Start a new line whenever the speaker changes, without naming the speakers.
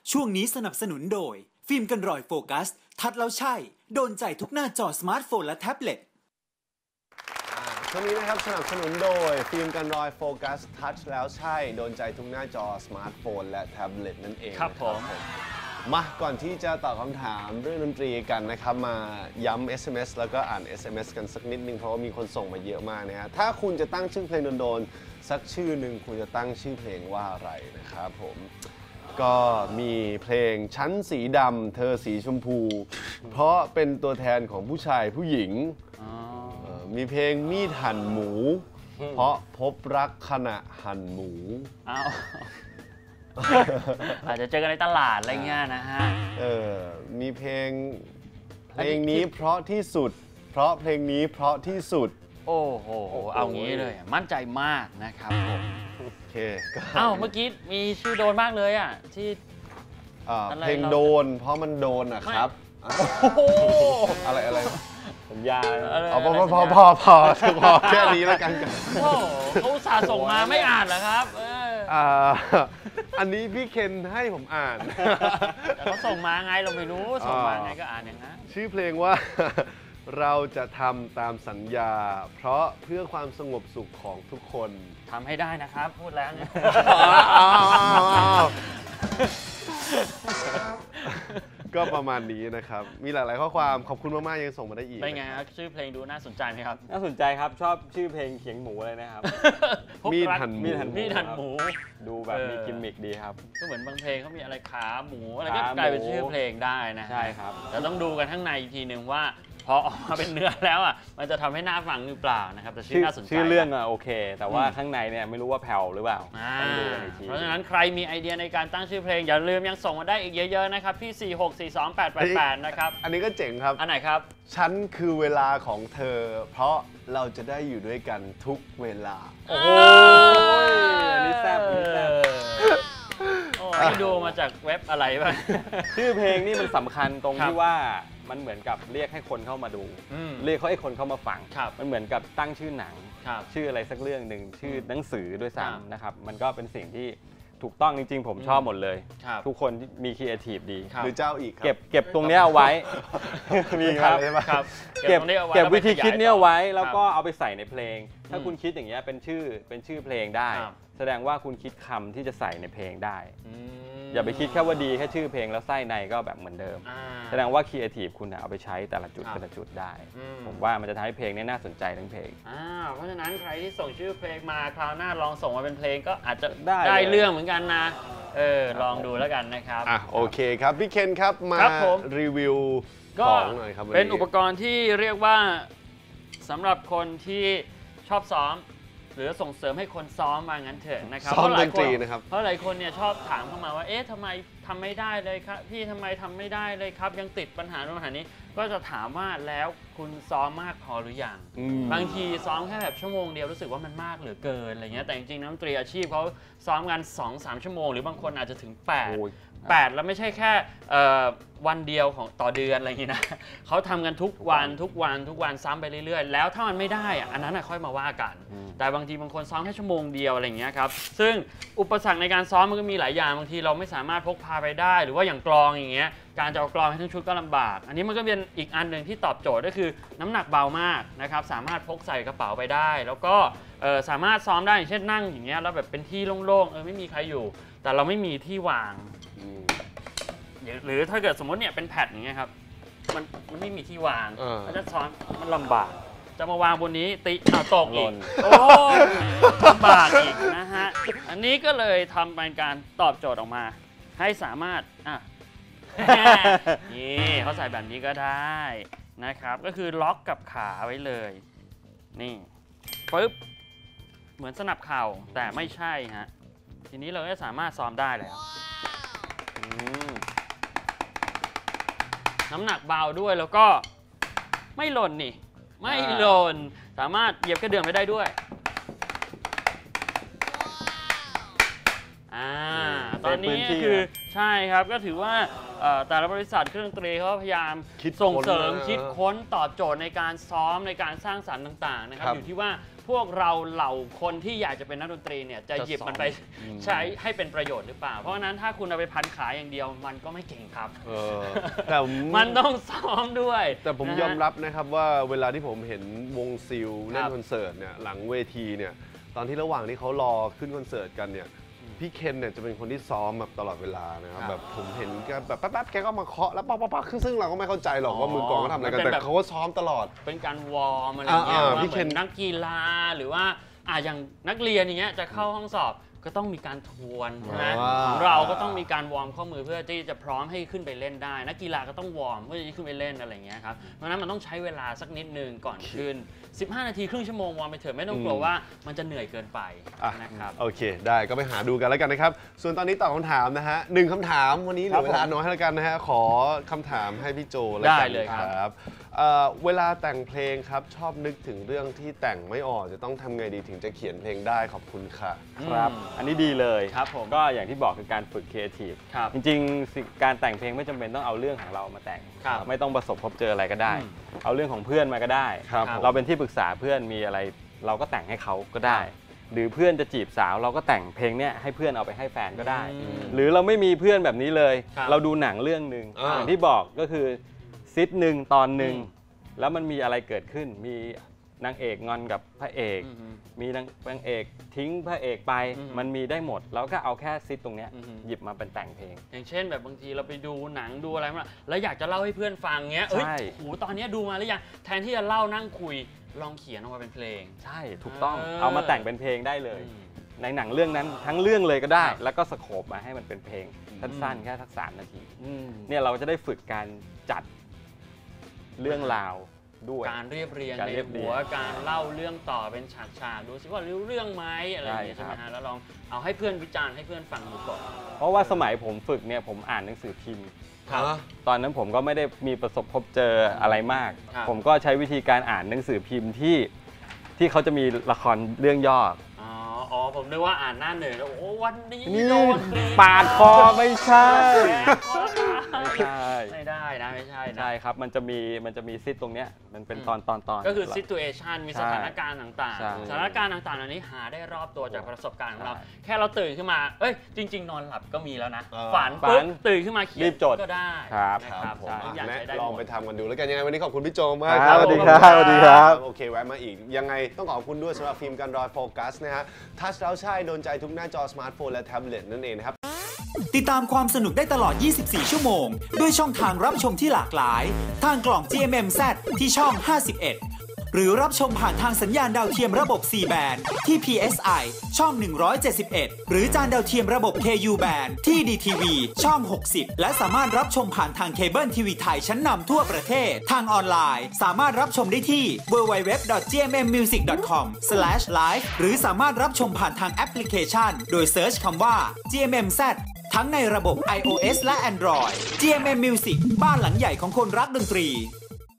ช่วงนี้สนับสนุนโดยฟิล์มกันรอยโฟกัสทัดแล้วใช่โดนใจทุกหน้าจอสมาร์ทโฟนและแท็บเล็ต
ช่วงนี้นะครับสนับสนุนโดยฟิล์มกันรอยโฟกัสทัชแล้วใช่โดนใจทุกหน้าจอสมาร์ทโฟนและแท็บเล็ตนั่นเอง
ครับผม
มาก่อนที่จะตอบคำถามเรื่องดนตรีกันนะครับมาย้ำ SMS แล้วก็อ่าน SMS กันสักนิดนึงเพราะว่ามีคนส่งมาเยอะมากนะฮะถ้าคุณจะตั้งชื่อเพลงโดนๆสักชื่อหนึ่งคุณจะตั้งชื่อเพลงว่าอะไรนะครับผมก็มีเพลงชั้นสีดำเธอสีชมพูเพราะเป็นตัวแทนของผู้ชายผู้หญิงมีเพลงมีดหั่นหมูเพราะพบรักขณะหั่นหมู
อาจจะเจอกันในตลาดอะไรเงี้ยนะฮะ
มีเพลงนี้เพราะที่สุดเพราะเพลงนี้เพราะที่สุด
โอ้โหเอางี้เลยมั่นใจมากนะครับผม
โอเค
เมื่อกี้มีชื่อโดนมากเลยอ่ะที่
เพลงโดนเพราะมันโดนอ่ะครับอะไรสัญญาพอแค่นี้แล้วกัน
โอ้เขาอุตส่าห์ส่งมาไม่อ่านเหรอครับ
อันนี้พี่เคนให้ผมอ่าน
แต่เขาส่งมาไงเราไม่รู้ส่งมาไงก็อ่านอย่างนั้น
ชื่อเพลงว่าเราจะทำตามสัญญาเพราะเพื่อความสงบสุขของทุกคน
ทำให้ได้นะครับพูดแล้วเนี่ย
ก็ประมาณนี้นะครับมีหลายๆข้อความขอบคุณมากๆยังส่งมาได้อีก
เป็นไงครับชื่อเพลงดูน่าสนใจไหมครับ
น่าสนใจครับชอบชื่อเพลงเขียงหมูเลยนะครับ
มีดหั่น
หมู
ดูแบบมีกิมมิคดีครับ
ก็เหมือนบางเพลงเขามีอะไรขาหมูอะไรก็กลายเป็นชื่อเพลงได้นะ
ใช่ครับ
แต่ต้องดูกันข้างในอีกทีหนึ่งว่าพอออกมาเป็นเนื้อแล้วมันจะทำให้น่าฟังหรือเปล่านะครับแต่ชื่อน่าสนใจ
ชื่อเรื่องโอเคแต่ว่าข้างในเนี่ยไม่รู้ว่าแผ่วหรือเปล่าต้องดูกันอีกที
เพราะฉะนั้นใครมีไอเดียในการตั้งชื่อเพลงอย่าลืมยังส่งมาได้อีกเยอะๆนะครับที่4642888นะครับ
อันนี้ก็เจ๋งครับ
อันไหนครับ
ฉันคือเวลาของเธอเพราะเราจะได้อยู่ด้วยกันทุกเวลา
โอ้ย
อันนี้แซ่บ
ดูมาจากเว็บอะไรบ้าง
ชื่อเพลงนี่มันสำคัญตรงที่ว่ามันเหมือนกับเรียกให้คนเข้ามาดูเรียกให้คนเข้ามาฟังมันเหมือนกับตั้งชื่อหนังชื่ออะไรสักเรื่องหนึ่งชื่อหนังสือด้วยซ้ำนะครับมันก็เป็นสิ่งที่ถูกต้องจริงๆผมชอบหมดเลยทุกคนมีครีเอทีฟดี
หรือเจ้าอีก
เก็บตรงนี้เอาไว้
มีครับ
เก็บวิธีคิดนี้เอาไว้แล้วก็เอาไปใส่ในเพลงถ้าคุณคิดอย่างเงี้ยเป็นชื่อเพลงได้แสดงว่าคุณคิดคำที่จะใส่ในเพลงได้อย่าไปคิดแค่ว่าดีแค่ชื่อเพลงแล้วไส้ในก็แบบเหมือนเดิมแสดงว่าครีเอทีฟคุณเอาไปใช้แต่ละจุดได้ผมว่ามันจะทำให้เพลงนี้น่าสนใจทั้งเพลง
เพราะฉะนั้นใครที่ส่งชื่อเพลงมาคราวหน้าลองส่งมาเป็นเพลงก็อาจจะได้เรื่องเหมือนกันนะลองดูแล้วกันนะครับ
โอเคครับพี่เคนครับมารีวิวของหน่อยครับ
เป็นอุปกรณ์ที่เรียกว่าสำหรับคนที่ชอบซ้อมหรือส่งเสริมให้คนซ้อมมางั้นเถอะนะครับ
ซ้อมดนตรีนะครับ
เพราะหลายคนเนี่ยชอบถามเข้ามาว่าทำไมทำไม่ได้เลยครับพี่ทำไมทำไม่ได้เลยครับยังติดปัญหานี้ก็จะถามว่าแล้วคุณซ้อมมากพอหรือยังบางทีซ้อมแค่แบบชั่วโมงเดียวรู้สึกว่ามันมากเหลือเกินอะไรเงี้ยแต่จริงๆนักดนตรีอาชีพเขาซ้อมกัน 2-3 ชั่วโมงหรือบางคนอาจจะถึง8แล้วไม่ใช่แค่วันเดียวของต่อเดือนอะไรอย่างนี้นะเขาทำกันทุกวันซ้ำไปเรื่อยๆแล้วถ้ามันไม่ได้อันนั้นค่อยมาว่ากันแต่บางทีบางคนซ้อมแค่ชั่วโมงเดียวอะไรอย่างเงี้ยครับซึ่งอุปสรรคในการซ้อมมันก็มีหลายอย่างบางทีเราไม่สามารถพกพาไปได้หรือว่าอย่างกลองอย่างเงี้ยการจะเอากลองให้ทั้งชุดก็ลำบากอันนี้มันก็เป็นอีกอันหนึ่งที่ตอบโจทย์ก็คือน้ำหนักเบามากนะครับสามารถพกใส่กระเป๋าไปได้แล้วก็สามารถซ้อมได้อย่างเช่นนั่งอย่างเงี้ยแล้วแบบเป็นที่โล่งๆไม่มีใครอยู่แต่เราไม่มีที่วางหรือถ้าเกิดสมมติเนี่ยเป็นแพดอย่างเงี้ยครับมันไม่มีที่วางมันจะซ้อนมันลำบากจะมาวางบนนี้ตีตกอีกลำบากอีกนะฮะอันนี้ก็เลยทำเป็นการตอบโจทย์ออกมาให้สามารถนี่เขาใส่แบบนี้ก็ได้นะครับก็คือล็อกกับขาไว้เลยนี่ปึ๊บเหมือนสนับเข่าแต่ไม่ใช่ฮะทีนี้เราก็สามารถซ้อมได้แล้วน้ำหนักเบาด้วยแล้วก็ไม่หล่นนี่ไม่หล่นสามารถเหยียบกระเดื่องไปได้ด้วยตอนนี้คือใช่ครับก็ถือว่าแต่ละบริษัทเครื่องดนตรีเขาพยายาม
คิด
ส่งเสริม
ค้น
คิดค้นตอบโจทย์ในการซ้อมในการสร้างสรรค์ต่างๆนะครับ
ครับ
อยู่ที่ว่าพวกเราเหล่าคนที่อยากจะเป็นนักดนตรีเนี่ยจะหยิบมันไปใช้ให้เป็นประโยชน์หรือเปล่าเพราะฉะนั้นถ้าคุณเอาไปพันขายอย่างเดียวมันก็ไม่เก่งครับ
แต่
มันต้องซ้อมด้วย
แต่ผม
นะฮะ
ยอมรับนะครับว่าเวลาที่ผมเห็นวงซิลเล่
ครั
น
บ
คอนเสิร์ตเนี่ยหลังเวทีเนี่ยตอนที่ระหว่างที่เขารอขึ้นคอนเสิร์ตกันเนี่ยพี่เคนเนี่ยจะเป็นคนที่ซ้อมแบบตลอดเวลานะครับแบบผมเห็นแกแบบแป๊บๆแกก็มาเคาะแล้วป๊อกๆซึ่งเราก็ไม่เข้าใจหรอกว่ามือกลองเขาทำอะไรกันแต่เขาก็ซ้อมตลอด
เป็นการวอร์มอะไรอย่างเงี้ย
อ่า
ว่า
พี่
เห
เคน
มือนนักกีฬาหรือว่าอย่างนักเรียนอย่างเงี้ยจะเข้าห้องสอบก็ต้องมีการทวนใช่ไหมของเราก็ต้องมีการวอร์มข้อมือเพื่อที่จะพร้อมให้ขึ้นไปเล่นได้นักกีฬาก็ต้องวอร์มเพื่อที่จะขึ้นไปเล่นอะไรอย่างเงี้ยครับเพราะฉะนั้นมันต้องใช้เวลาสักนิดนึงก่อนขึ้น15 นาทีครึ่งชั่วโมงวอร์มไปเถอะไม่ต้องกลัวว่ามันจะเหนื่อยเกินไปนะครับ
โอเคได้ก็ไปหาดูกันแล้วกันนะครับส่วนตอนนี้ตอบคำถามนะฮะ1คำถามวันนี้เหลือเวลาน้อยให้แล้วกันนะฮะขอคำถามให้พี่โจแล้วกัน
ได้เลยครับ
เวลาแต่งเพลงครับชอบนึกถึงเรื่องที่แต่งไม่ออกจะต้องทำไงดีถึงจะเขียนเพลงได้ขอบคุณค่ะ
ครับ อันนี้ดีเลย
ครับผม
ก็อย่างที่บอกคือการฝึกครีเอทีฟ
ครับ
จริงๆการแต่งเพลงไม่จำเป็นต้องเอาเรื่องของเรามาแต่ง
ครับ
ไม่ต้องประสบพบเจออะไรก็ได้
อืม
เอาเรื่องของเพื่อนมาก็ได้
ครับ
เราเป็นที่ปรึกษาเพื่อนมีอะไรเราก็แต่งให้เขาก็ได้ หรือเพื่อนจะจีบสาวเราก็แต่งเพลงเนี้ยให้เพื่อนเอาไปให้แฟนก็ได้ หรือเราไม่มีเพื่อนแบบนี้เลย
ครับ
เราดูหนังเรื่องหนึ่งอย่างที่บอกก็คือซิทหนึ่งตอนหนึ่งแล้วมันมีอะไรเกิดขึ้นมีนางเอกงอนกับพระเอก มีนางเอกทิ้งพระเอกไป มันมีได้หมดแล้วก็เอาแค่ซิทตรงเนี้ยหยิบมาเป็นแต่งเพลง
อย่างเช่นแบบบางทีเราไปดูหนังดูอะไรมาแล้วอยากจะเล่าให้เพื่อนฟังเงี้ยเอ้ย
ใช่
โอ้โหตอนเนี้ยดูมาหรือยังแทนที่จะเล่านั่งคุยลองเขียนออกมาเป็นเพลง
ใช่ถูกต้อง
เออ
เอามาแต่งเป็นเพลงได้เลย
อืม
ในหนังเรื่องนั้นทั้งเรื่องเลยก็ได้
ครับ
แล้วก็สโคปมาให้มันเป็นเพลงสั้นๆแค่สัก3 นาที
อืม
เนี่ยเราจะได้ฝึกการจัดเรื่องราวด้วย
การเรียบเรียง
การ
ใน
เรียบเรี
หั
ยง
วการเล่าเรื่องต่อเป็นฉากๆดูสิว่ารู้เรื่องไหมอะไรอย่างเงี้ย
ใช่
ใช่ไหม
ครับ
ฮะแล้วลองเอาให้เพื่อนวิจารณ์ให้เพื่อนฟังดูก่อน
เพราะว่าสมัยผมฝึกเนี่ยผมอ่านหนังสือพิมพ์
ครับ
ตอนนั้นผมก็ไม่ได้มีประสบพบเจออะไรมาก
ครับ
ผมก็ใช้วิธีการอ่านหนังสือพิมพ์ที่เขาจะมีละครเรื่องย่อ
อ๋อผมนึกว่าอ่านหน้าหนึ่งแล้วโอ้วันนี้
นี่
โดนตี
ปาดคอไม่ใช่ ไม่ใช่
ไม่ได้นะไม่ใช่นะ
ใช่ครับมันจะมีซิทตรงเนี้ยมันเป็นตอน
ก็คือ situation มี
ใช่
สถานการณ์ต่าง
ใช่
ๆ สถานการณ์ต่างๆเหล่านี้หาได้รอบตัวจากประสบการณ์ของเรา
ใช่
แค่เราตื่นขึ้นมา เอ้ย จริง ๆ นอนหลับก็มีแล้วนะ
เออ
ฝัน
ฝั
ปุ๊บ
น
ตื่นขึ้นมาเขีย
รี
น
บจด
ก็ได้
ครับ
นะครับ
ผม
ทุกอย่าง
แนะ
ใช้ได้
ลอง
หม
ไป
ด
ทำกันดูแล้วกันยังไงวันนี้ขอบคุณพี่โจมาก
ครับสวัสดีครับสวัสดีครับ
โอเคแวะมาอีกยังไงต้องขอบคุณด้วยสำหรับฟิล์มกันรอยโฟกัสนะฮะทัชแล้วใช่โดนใจทุกหน้าจอสมาร์ทโฟนและแท็บเล็ตนั่นเองนะครับ
ติดตามความสนุกได้ตลอด 24 ชั่วโมง ด้วยช่องทางรับชมที่หลากหลาย ทางกล่อง GMMZ ที่ช่อง 51 หรือรับชมผ่านทางสัญญาณดาวเทียมระบบ C band ที่ PSI ช่อง 171 หรือจานดาวเทียมระบบ KU band ที่ DTV ช่อง 60 และสามารถรับชมผ่านทางเคเบิลทีวีไทยชั้นนำทั่วประเทศ ทางออนไลน์ สามารถรับชมได้ที่ www.gmmmusic.com/live หรือสามารถรับชมผ่านทางแอปพลิเคชัน โดยเซิร์ชคำว่า GMMZ ทั้งในระบบ iOS และ Android GMM Music บ้านหลังใหญ่ของคนรักดนตรี